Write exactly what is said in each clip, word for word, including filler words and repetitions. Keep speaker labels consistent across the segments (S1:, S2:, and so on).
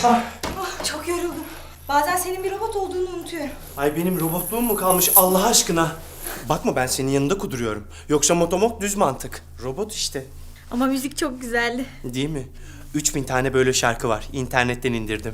S1: Ah.
S2: Oh, çok yoruldum. Bazen senin bir robot olduğunu unutuyorum.
S1: Ay benim robotluğum mu kalmış Allah aşkına? Bakma ben senin yanında kuduruyorum. Yoksa motomok düz mantık. Robot işte.
S2: Ama müzik çok güzeldi.
S1: Değil mi? Üç bin tane böyle şarkı var. İnternetten indirdim.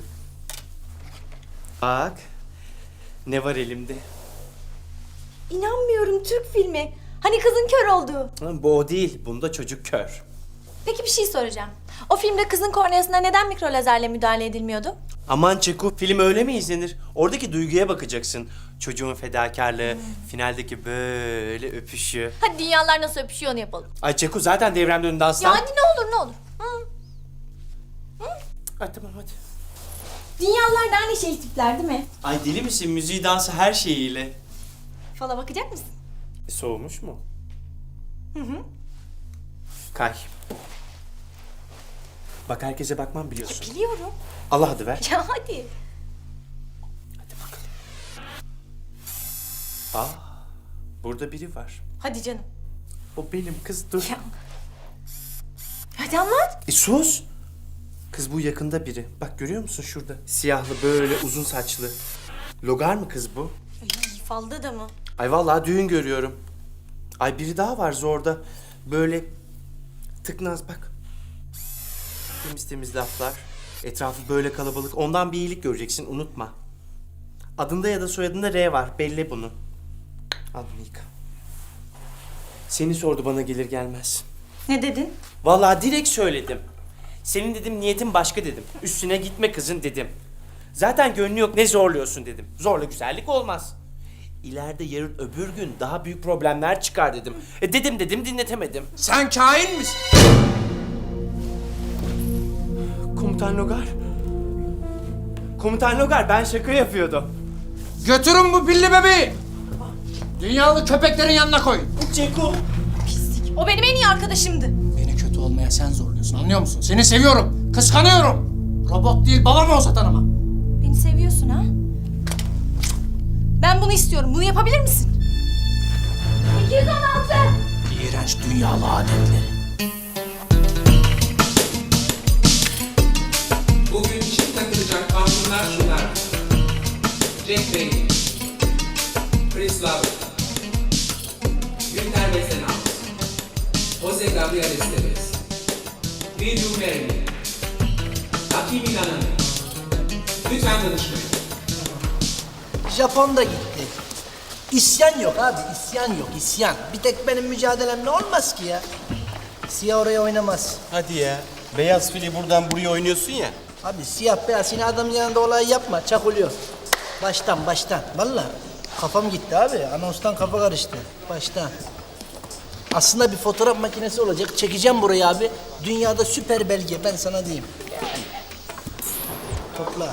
S1: Bak. Ne var elimde?
S2: İnanmıyorum, Türk filmi. Hani kızın kör olduğu.
S1: Ha, bu o değil. Bunda çocuk kör.
S2: Peki bir şey soracağım. O filmde kızın korneasına neden mikro lazerle müdahale edilmiyordu?
S1: Aman Çeko, film öyle mi izlenir? Oradaki duyguya bakacaksın. Çocuğun fedakarlığı, hmm. finaldeki böyle öpüşü.
S2: Hadi dünyalar nasıl öpüşüyor onu yapalım.
S1: Ay Çeko zaten devremde önünde aslan.
S2: Ya hadi ne olur ne olur. Hı.
S1: Hı? Ay tamam hadi.
S2: Dünyalar da aynı şey tipler değil mi?
S1: Ay deli misin? Müziği, dansı her şeyiyle.
S2: Fala bakacak mısın?
S1: E, soğumuş mu?
S2: Hı hı.
S1: Kay. Bak herkese bakmam biliyorsun.
S2: Ya biliyorum.
S1: Allah hadi ver.
S2: Ya hadi.
S1: Hadi bakalım. Aa, burada biri var.
S2: Hadi canım.
S1: O benim kız dur.
S2: Ya. Hadi anlat.
S1: E sus. Kız bu yakında biri. Bak görüyor musun şurada? Siyahlı böyle uzun saçlı. Logar mı kız bu?
S2: Ay, falda da mı?
S1: Ay vallahi düğün görüyorum. Ay biri daha var zorda. Böyle tıknaz bak. Temiz temiz laflar. Etrafı böyle kalabalık. Ondan bir iyilik göreceksin unutma. Adında ya da soyadında R var. Belli bunu. Al bunu yıka. Seni sordu bana gelir gelmez.
S2: Ne dedin?
S1: Vallahi direkt söyledim. Senin dedim niyetin başka dedim. Üstüne gitme kızın dedim. Zaten gönlü yok ne zorluyorsun dedim. Zorla güzellik olmaz. İleride yarın öbür gün daha büyük problemler çıkar dedim. E dedim dedim dinletemedim.
S3: Sen kain misin?
S1: Komutan Logar. Komutan Logar ben şaka yapıyordum.
S3: Götürün bu pilli bebeği. Dünyalı köpeklerin yanına koyun.
S1: Ceko.
S2: Pislik. O benim en iyi arkadaşımdı.
S3: Beni kötü olmaya sen zorluyorsun anlıyor musun? Seni seviyorum, kıskanıyorum. Robot değil babam olsa tanımam.
S2: Beni seviyorsun ha? Ben bunu istiyorum. Bunu yapabilir misin? iki yüz on altı.
S3: İğrenç dünyalı adetleri.
S4: Bugün çift takılacak kanunlar şunlar. Jack Bailey, Chris Love, Günter Besenal, Jose Gabriel Esteves, Will You Marry Me, Hakim İnananı. Lütfen danışmayın.
S5: Japon da gitti. İsyan yok abi, isyan yok, isyan. Bir tek benim mücadelemle olmaz ki ya. Siyah oraya oynamaz.
S1: Hadi ya. Beyaz fili buradan buraya oynuyorsun ya.
S5: Abi siyah beyaz, yine adamın yanında olay yapma, çakılıyor. Baştan, baştan. Vallahi kafam gitti abi, anonstan kafa karıştı. Baştan. Aslında bir fotoğraf makinesi olacak, çekeceğim burayı abi. Dünyada süper belge, ben sana diyeyim. Topla.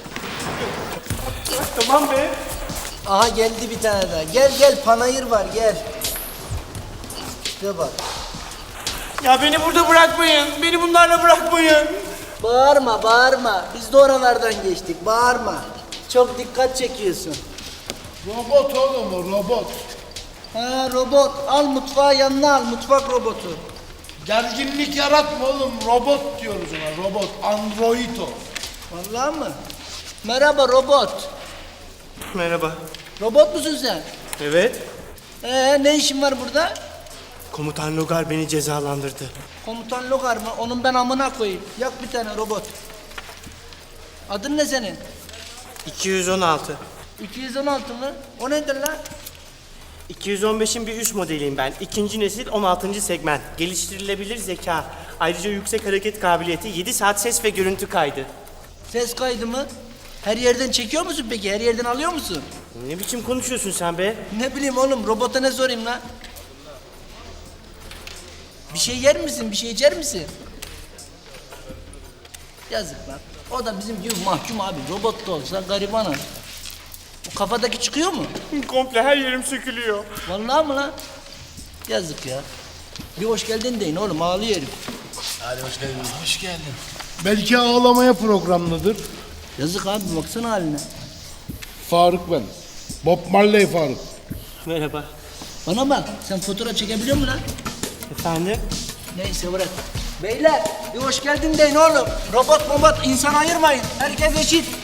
S1: Tamam be.
S5: Aha geldi bir tane daha. Gel gel, panayır var, gel. İşte bak.
S1: Ya beni burada bırakmayın. Beni bunlarla bırakmayın.
S5: Bağırma, bağırma. Biz de oralardan geçtik. Bağırma. Çok dikkat çekiyorsun.
S6: Robot oğlum o robot.
S5: Ha robot. Al mutfağı yanına al. Mutfak robotu.
S6: Gerginlik yaratma oğlum. Robot diyoruz ona. Robot. Android o.
S5: Vallahi mı? Merhaba robot.
S1: Merhaba.
S5: Robot musun sen?
S1: Evet.
S5: Ee ne işin var burada?
S1: Komutan Logar beni cezalandırdı.
S5: Komutan Logar mı? Onun ben amına koyayım. Yak bir tane robot. Adın ne senin?
S1: iki yüz on altı.
S5: iki yüz on altı mı? O nedir lan?
S1: iki yüz on beşin bir üst modeliyim ben. İkinci nesil on altıncı segment. Geliştirilebilir zeka. Ayrıca yüksek hareket kabiliyeti, yedi saat ses ve görüntü kaydı.
S5: Ses kaydı mı? Her yerden çekiyor musun peki? Her yerden alıyor musun?
S1: Ne biçim konuşuyorsun sen be?
S5: Ne bileyim oğlum, robota ne sorayım lan? Bir şey yer misin? Bir şey içer misin? Yazık lan. O da bizim gibi mahkum abi. Robot da olsa garibanı. Bu kafadaki çıkıyor mu?
S1: Komple her yerim sökülüyor.
S5: Vallahi mı lan? Yazık ya. Bir hoş geldin deyin oğlum, ağlıyor herif.
S6: Hadi hoş geldin. Hoş geldin. Belki ağlamaya programlıdır.
S5: Yazık abi, baksana haline.
S6: Faruk ben. Bob Marley Faruk.
S1: Merhaba.
S5: Bana bak, sen fotoğraf çekebiliyor musun lan?
S1: Efendim?
S5: Neyse bırak. Beyler bir hoş geldin deyin oğlum. Robot robot insan ayırmayın. Herkes eşit.